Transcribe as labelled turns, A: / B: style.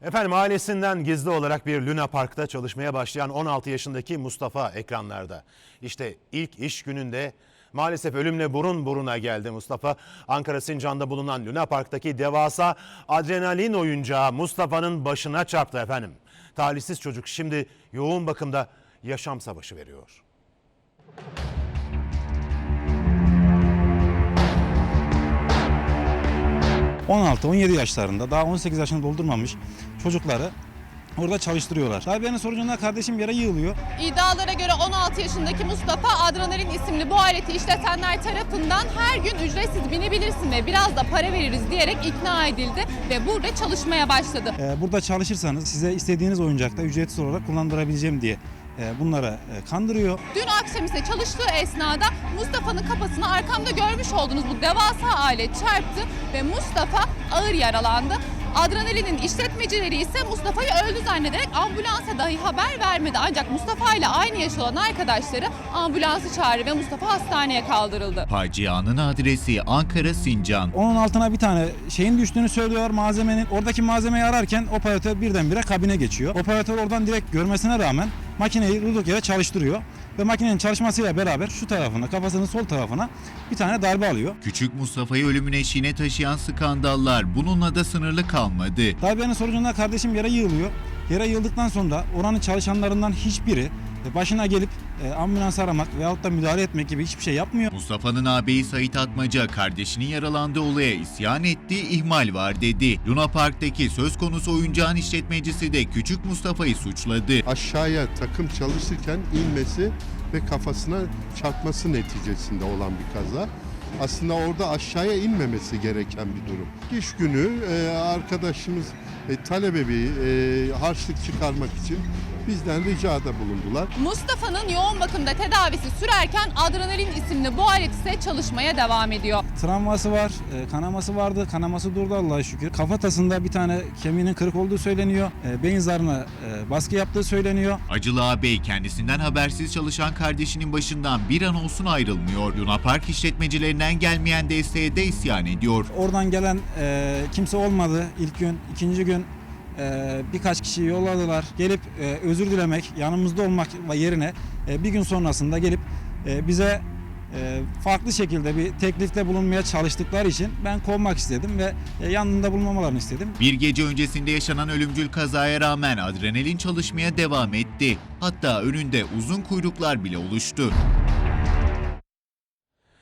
A: Efendim ailesinden gizli olarak bir Luna Park'ta çalışmaya başlayan 16 yaşındaki Mustafa ekranlarda. İşte ilk iş gününde maalesef ölümle burun buruna geldi Mustafa. Ankara Sincan'da bulunan Luna Park'taki devasa adrenalin oyuncağı Mustafa'nın başına çarptı efendim. Talihsiz çocuk şimdi yoğun bakımda yaşam savaşı veriyor.
B: ...16-17 yaşlarında daha 18 yaşını doldurmamış çocukları orada çalıştırıyorlar. Darbenin sonucunda kardeşim yere yığılıyor.
C: İddialara göre 16 yaşındaki Mustafa Adrenalin isimli bu aleti işletenler tarafından her gün ücretsiz binebilirsin ve biraz da para veririz diyerek ikna edildi ve burada çalışmaya başladı.
B: Burada çalışırsanız size istediğiniz oyuncakta ücretsiz olarak kullandırabileceğim diye bunlara kandırıyor.
C: Dün akşam ise çalıştığı esnada Mustafa'nın kafasına arkamda görmüş olduğunuz bu devasa alet çarptı ve Mustafa ağır yaralandı. Adrenalin'in işletmecileri ise Mustafa'yı öldü zannederek ambulansa dahi haber vermedi. Ancak Mustafa ile aynı yaş olan arkadaşları ambulansı çağırdı ve Mustafa hastaneye kaldırıldı.
D: Facianın adresi Ankara Sincan.
B: Onun altına bir tane şeyin düştüğünü söylüyor malzemenin. Oradaki malzemeyi ararken operatör birdenbire kabine geçiyor. Operatör oradan direkt görmesine rağmen makineyi durduk yere çalıştırıyor. Ve makinenin çalışmasıyla beraber şu tarafına, kafasının sol tarafına bir tane darbe alıyor.
D: Küçük Mustafa'yı ölümün eşiğine taşıyan skandallar bununla da sınırlı kalmadı.
B: Darbenin sonucunda kardeşim yere yığılıyor. Yere yığıldıktan sonra oranın çalışanlarından hiçbiri başına gelip ambulans aramak veyahut da müdahale etmek gibi hiçbir şey yapmıyor.
D: Mustafa'nın ağabeyi Sait Atmaca kardeşinin yaralandığı olaya isyan etti, ihmal var dedi. Luna Park'taki söz konusu oyuncağın işletmecisi de küçük Mustafa'yı suçladı.
E: Aşağıya takım çalışırken inmesi ve kafasına çarpması neticesinde olan bir kaza. Aslında orada aşağıya inmemesi gereken bir durum. İş günü arkadaşımız talebe bir harçlık çıkarmak için bizden ricada bulundular.
C: Mustafa'nın yoğun bakımda tedavisi sürerken Adrenalin isimli bu alet ise çalışmaya devam ediyor.
B: Travması var, kanaması vardı. Kanaması durdu Allah'a şükür. Kafatasında bir tane kemiğinin kırık olduğu söyleniyor. Beyin zarına baskı yaptığı söyleniyor.
D: Acılı ağabey kendisinden habersiz çalışan kardeşinin başından bir an olsun ayrılmıyor. Luna Park işletmecilerinden gelmeyen desteğe de isyan ediyor.
B: Oradan gelen kimse olmadı ilk gün, ikinci gün. Birkaç kişiyi yolladılar. Gelip özür dilemek, yanımızda olmak yerine bir gün sonrasında gelip bize farklı şekilde bir teklifte bulunmaya çalıştıkları için ben kovmak istedim ve yanında bulunmamalarını istedim.
D: Bir gece öncesinde yaşanan ölümcül kazaya rağmen adrenalin çalışmaya devam etti. Hatta önünde uzun kuyruklar bile oluştu.